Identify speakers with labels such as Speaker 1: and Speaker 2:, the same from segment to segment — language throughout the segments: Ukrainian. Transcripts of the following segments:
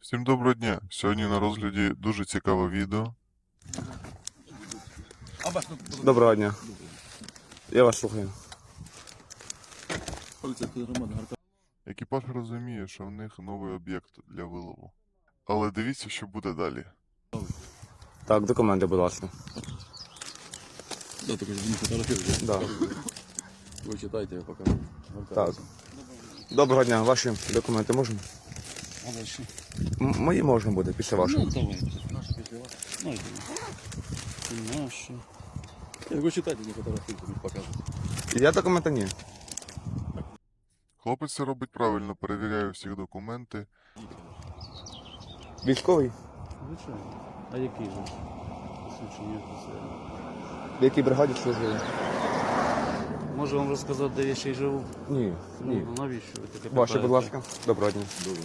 Speaker 1: Всім доброго дня! Сьогодні на розгляді дуже цікаве відео.
Speaker 2: Доброго дня. Я вас слухаю.
Speaker 1: Екіпаж розуміє, що в них новий об'єкт для вилову. Але дивіться, що буде далі.
Speaker 2: Так, документи, будь ласка.
Speaker 3: Да, только же не фотографируйте.
Speaker 2: Да.
Speaker 3: Вы читайте, я покажу.
Speaker 2: Так. Доброго дня. Ваші документи можна?
Speaker 3: А дальше?
Speaker 2: Мої можна буде, після вашого.
Speaker 3: Ну, давай. Наши пошли вас. Ну, это наши. Я говорю, читайте, не фотографируйте, не показывайте.
Speaker 2: Я документи ні.
Speaker 1: Хлопець це робить правильно, перевіряє всіх документи.
Speaker 2: Військовий?
Speaker 3: Звичайно. А який же? Посвідчення офіцера.
Speaker 2: В якій бригаді служили?
Speaker 3: Можу вам розказати, де я ще й живу?
Speaker 2: Ні. Ні.
Speaker 3: Ну, навіщо ви таке
Speaker 2: Ваші,
Speaker 3: питаєте?
Speaker 2: будь ласка. Доброго дня.
Speaker 3: Добре.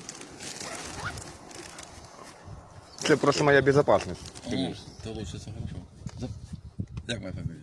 Speaker 2: Це просто моя безпечність.
Speaker 3: Конечно. Это лучше, это хорошо. Як моя фамилия?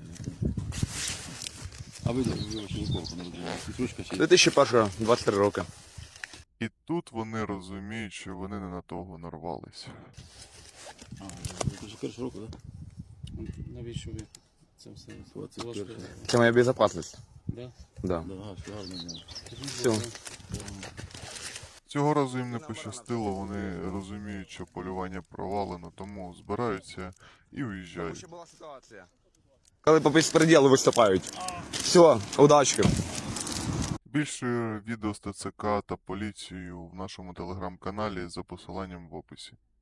Speaker 3: А ви очень неплохо народили. Ручка чи?
Speaker 2: 2001, 23 роки.
Speaker 1: І тут вони розуміють, що вони не на того нарвались.
Speaker 3: А, це ж перший року, так? Навіщо ви це все? 21.
Speaker 2: Це моя безпечність.
Speaker 3: Да?
Speaker 2: Да.
Speaker 3: Да, все гарно знаю.
Speaker 2: Все.
Speaker 1: Цього разу їм не пощастило, вони розуміють, що полювання провалено, тому збираються і уїжджають.
Speaker 2: була ситуація. Коли по безпреділу виступають. Все, удачки.
Speaker 1: Більше відео з ТЦК та поліцією в нашому телеграм-каналі за посиланням в описі.